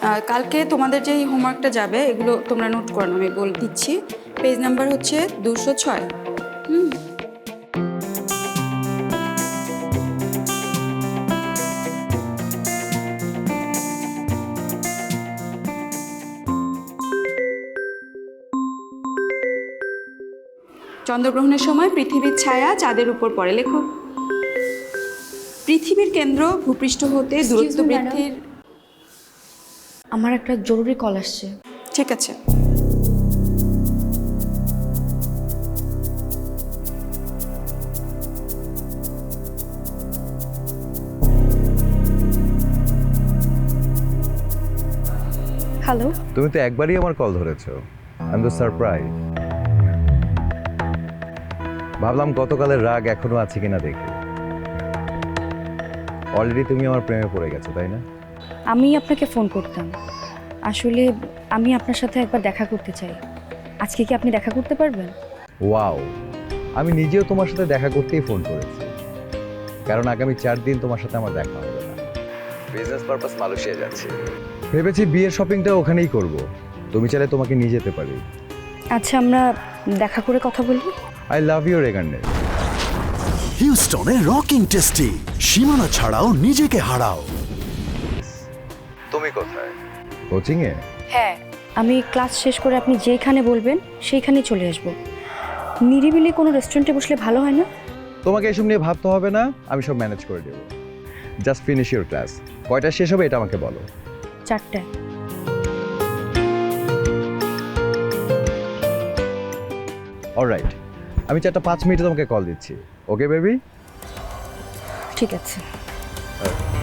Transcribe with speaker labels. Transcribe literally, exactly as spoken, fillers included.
Speaker 1: আর কালকে তোমাদের যেই হোমওয়ার্কটা যাবে এগুলো তোমরা নোট করো, আমি বলে দিচ্ছি। পেজ নাম্বার হচ্ছে দুশো ছয়। হুম চন্দ্রগ্রহণের সময় পৃথিবীর ছায়া চাঁদের উপর পড়ে। লেখো। পৃথিবীর কেন্দ্র ভূপৃষ্ঠ হতে দূরত্ব বৃদ্ধির।
Speaker 2: আমার একটা জরুরি কল আসছে।
Speaker 1: ঠিক আছে।
Speaker 2: হ্যালো।
Speaker 3: তুমি তো একবারই আমার কল ধরেছো। আই এম তো সারপ্রাইজ। ভাবলাম গতকালের রাগ এখনো আছে কিনা দেখি। অলরেডি তুমি আমার প্রেমে পড়ে গেছো, তাই না?
Speaker 2: আমি আপনাকে ফোন করতাম, আসলে আমি আপনার সাথে একবার দেখা করতে চাই। আজকে কি আপনি দেখা করতে পারবেন?
Speaker 3: ওয়াও, আমি নিজেও তোমার সাথে দেখা করতেই ফোন করেছি, কারণ আগামী চার দিন তোমার সাথে আমার দেখা হবে না। বিজনেস পারপাস মালয়েশিয়া যাচ্ছি, ভেবেছি বিয়ের শপিংটা ওখানেই করব। তুমি চাইলে তোমাকে নিয়ে যেতে পারি।
Speaker 2: আচ্ছা, আমরা দেখা করে কথা বলি।
Speaker 3: আই লাভ ইউ রেগান্ডে।
Speaker 4: হিউস্টনে রকিং টেস্টি, সীমানা ছাড়াও নিজেকে হারাও।
Speaker 3: তুমি কোথায়? কোচিং এ?
Speaker 2: হ্যাঁ, আমি ক্লাস শেষ করে আপনি যেখানে বলবেন সেইখানেই চলে আসব। নিরিবিলি কোনো রেস্টুরেন্টে বসলে ভালো হয় না?
Speaker 3: তোমাকে এসব নিয়ে ভাবতে হবে না, আমি সব ম্যানেজ করে দেবো। Just finish your class. কয়টা শেষ হবে এটা আমাকে বলো।
Speaker 2: চারটায়।
Speaker 3: অলরাইট, আমি চারটা পাঁচ মিনিটে তোমাকে কল দিচ্ছি। Okay baby?
Speaker 2: ঠিক আছে।